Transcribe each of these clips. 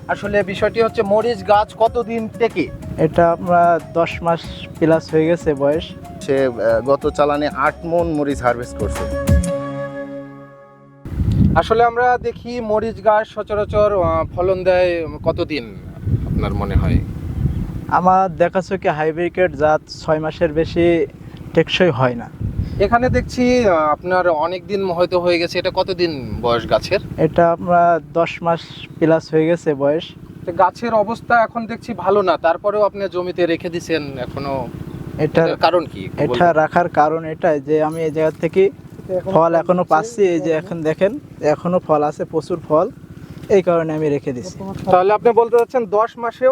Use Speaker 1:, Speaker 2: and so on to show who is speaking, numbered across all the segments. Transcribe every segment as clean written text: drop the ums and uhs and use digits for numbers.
Speaker 1: আসলে বিষয়টি হচ্ছে মরিচ গাছ কতদিন থেকে?
Speaker 2: এটা আমরা 10 মাস প্লাস হয়ে গেছে বয়স।
Speaker 3: সে গত চালানে 8 মণ মরিচ হারভেস্ট করছে।
Speaker 1: আসলে আমরা দেখি মরিচ গাছ সচরাচর ফলন দেয় কতদিন আপনার মনে হয়?
Speaker 2: আমার দেখা চোখে হাইব্রিড জাত 6 মাসের বেশি টেকসই হয় না।
Speaker 1: এখানে দেখছি আপনার অনেক দিন হয়তো হয়ে গেছে। এটা কতদিন বয়স গাছের?
Speaker 2: এটা আমরা 10 মাস প্লাস হয়ে গেছে বয়স।
Speaker 1: তো গাছের অবস্থা এখন দেখছি ভালো না, তারপরেও আপনি জমিতে রেখে দিছেন এখনো,
Speaker 2: এটার
Speaker 1: এটার কারণ কি?
Speaker 2: এটা রাখার কারণ এটাই যে আমি এই জায়গা থেকে ফল এখনো পাচ্ছি। এই যে এখন দেখেন এখনো ফল আছে, প্রচুর ফল, এই কারণে আমি রেখে দিছি।
Speaker 1: তাহলে আপনি বলতে চাচ্ছেন 10 মাসেও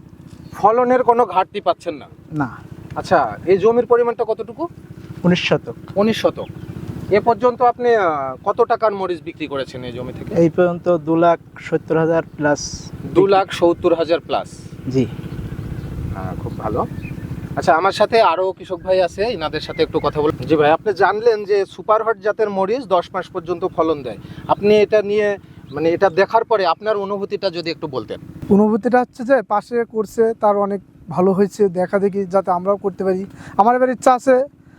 Speaker 1: ফলনের কোনো ঘাটতি পাচ্ছেন না?
Speaker 2: না।
Speaker 1: আচ্ছা, এই জমির পরিমাণটা কতটুকু?
Speaker 2: 19 শতক।
Speaker 1: 19 শতক। এ পর্যন্ত আপনি কত টাকার মরিচ বিক্রি করেছেন এই জমি থেকে?
Speaker 2: এই পর্যন্ত 2,70,000 প্লাস।
Speaker 1: 2,70,000 প্লাস।
Speaker 2: জি।
Speaker 1: খুব ভালো। আচ্ছা, আমার সাথে আরো কৃষক ভাই আছে, ইনাদের সাথে একটু কথা বল। জি ভাই, আপনি জানলেন যে সুপার হট জাতের মরিচ 10 মাস পর্যন্ত ফলন দেয়। আপনি এটা নিয়ে মানে এটা দেখার পরে আপনার অনুভূতিটা যদি একটু বলতেন।
Speaker 4: অনুভূতিটা হচ্ছে যে পাশে করছে তার অনেক ভালো হয়েছে, দেখা দেখি যাতে আমরাও করতে পারি। আমার এবার ইচ্ছা আছে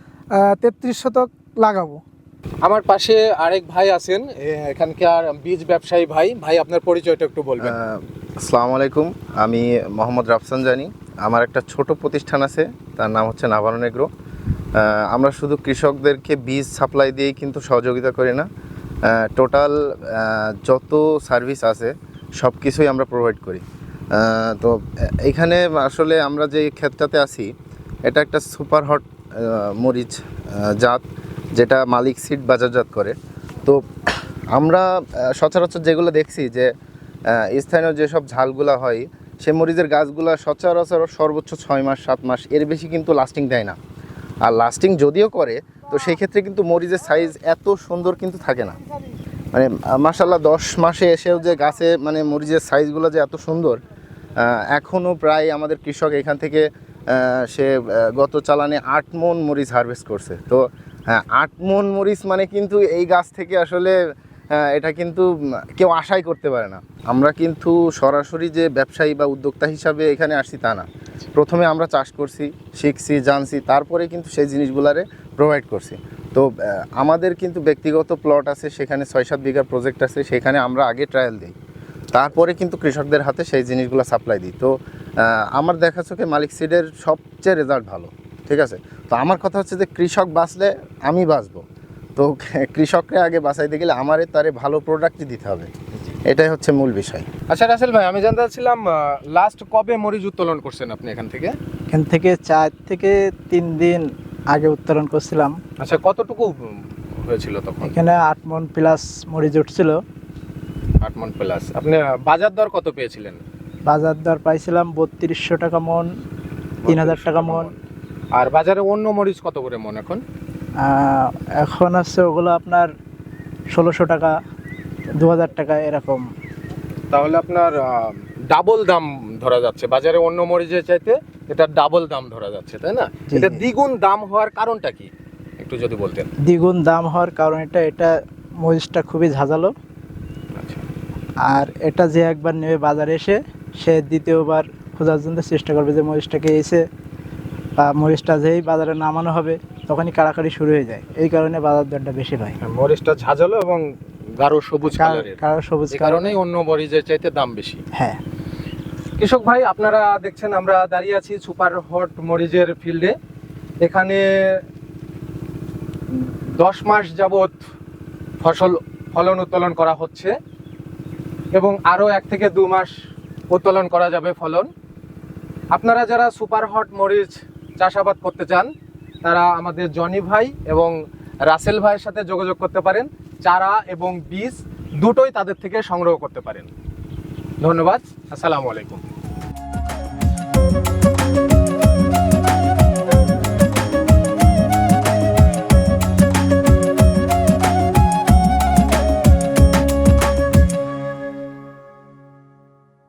Speaker 4: 33 শতক লাগাবো।
Speaker 1: আমার পাশে আরেক ভাই আছেন, এখানকার বীজ ব্যবসায়ী ভাই। ভাই, আপনার পরিচয়টা একটু বলবেন।
Speaker 3: আসসালামু আলাইকুম, আমি মোহাম্মদ রাফসান জানি। আমার একটা ছোট প্রতিষ্ঠান আছে, তার নাম হচ্ছে নাভারন এগ্রো। আমরা শুধু কৃষকদেরকে বীজ সাপ্লাই দিয়েই কিন্তু সহযোগিতা করি না, টোটাল যত সার্ভিস আছে সব কিছুই আমরা প্রোভাইড করি। তো এইখানে আসলে আমরা যে ক্ষেতটাতে আছি এটা একটা সুপার হট মরিচ জাত, যেটা মালিক সিড বাজারজাত করে। তো আমরা সচরাচর যেগুলো দেখছি যে স্থানীয় যেসব ঝালগুলা হয় সে মরিচের গাছগুলো সচরাচর সর্বোচ্চ 6 মাস 7 মাস, এর বেশি কিন্তু লাস্টিং দেয় না। আর লাস্টিং যদিও করে তো সেই ক্ষেত্রে কিন্তু মরিচের সাইজ এত সুন্দর কিন্তু থাকে না। মানে মাশাআল্লাহ 10 মাসে এসেও যে গাছে মানে মরিচের সাইজগুলো যে এত সুন্দর, এখনও প্রায় আমাদের কৃষক এখান থেকে সে গত চালানে 8 মণ মরিচ হারভেস্ট করছে। তো 8 মণ মরিচ মানে কিন্তু এই গাছ থেকে আসলে এটা কিন্তু কেউ আশাই করতে পারে না। আমরা কিন্তু সরাসরি যে ব্যবসায়ী বা উদ্যোক্তা হিসাবে এখানে আসছি তা না। প্রথমে আমরা চাষ করছি, শিখছি, জানছি, তারপরে কিন্তু সেই জিনিসগুলারে প্রোভাইড করছি। তো আমাদের কিন্তু ব্যক্তিগত প্লট আছে, সেখানে 6-7 বিঘার প্রজেক্ট আছে, সেখানে আমরা আগে ট্রায়াল দিই, তারপরে কিন্তু কৃষকদের হাতে সেই জিনিসগুলো সাপ্লাই দিই। তো আমার দেখা চোখে মালিক সিডের সবচেয়ে রেজাল্ট ভালো। ঠিক আছে, তো আমার কথা হচ্ছে যে কৃষক বাঁচলে আমি বাঁচবো। তো কৃষককে আগে বাঁচাইতে গেলে আমারে তারে ভালো প্রোডাক্টই দিতে হবে, এটাই হচ্ছে মূল বিষয়।
Speaker 1: আচ্ছা রাসেল ভাই, আমি জানতে চাচ্ছিলাম লাস্ট কবে মরিচ উত্তোলন করছেন আপনি এখান থেকে?
Speaker 2: এখান থেকে 4 থেকে 3 দিন আগে উত্তোলন করছিলাম।
Speaker 1: আচ্ছা, কতটুকু হয়েছিল তখন?
Speaker 2: এখানে 8 মণ প্লাস মরিচ উঠছিল।
Speaker 1: 8 মণ প্লাস। আপনি বাজার দর কত পেয়েছিলেন?
Speaker 2: বাজার দর পাইছিলাম 3200 টাকা মণ, 3000 টাকা মণ।
Speaker 1: আর বাজারে অন্য মরিচ কত করে মণ এখন?
Speaker 2: এখন আছে ওগুলো আপনার 1600 টাকা, 2000 টাকা এরকম।
Speaker 1: তাহলে আপনার ডাবল দাম ধরা যাচ্ছে, বাজারে অন্য মরিচের চাইতে এটা ডাবল দাম ধরা যাচ্ছে, তাই না?
Speaker 2: জি,
Speaker 1: এটা
Speaker 2: জি।
Speaker 1: দ্বিগুণ দাম হওয়ার কারণটা কি একটু যদি বলতেন।
Speaker 2: দ্বিগুণ দাম হওয়ার কারণ এটা মরিচটা খুবই ঝাঁঝালো।
Speaker 1: আচ্ছা,
Speaker 2: আর এটা যে একবার নেবে বাজারে এসে সে দ্বিতীয়বার খোঁজার জন্য চেষ্টা করবে যে মরিচটাকে এসে, বা মরিচটা যেই বাজারে নামানো হবে তখনই কাড়াকাড়ি শুরু হয়ে যায়। এই কারণে বাজার দরটা বেশি পায়।
Speaker 1: মরিচটা ঝাঁঝালো এবং গাঢ় সবুজ কালারের,
Speaker 2: কারো সবুজ
Speaker 1: এই কারণেই অন্য মরিচের চাইতে দাম বেশি।
Speaker 2: হ্যাঁ।
Speaker 1: কৃষক ভাই, আপনারা দেখছেন আমরা দাঁড়িয়ে আছি সুপার হট মরিচের ফিল্ডে। এখানে 10 মাস যাবত ফলন উত্তোলন করা হচ্ছে এবং আরও 1 থেকে 2 মাস উত্তোলন করা যাবে ফলন। আপনারা যারা সুপার হট মরিচ চাষাবাদ করতে চান তারা আমাদের জনি ভাই এবং রাসেল ভাইয়ের সাথে যোগাযোগ করতে পারেন। চারা এবং বীজ দুটোই তাদের থেকে সংগ্রহ করতে পারেন। ধন্যবাদ। আসসালামু আলাইকুম।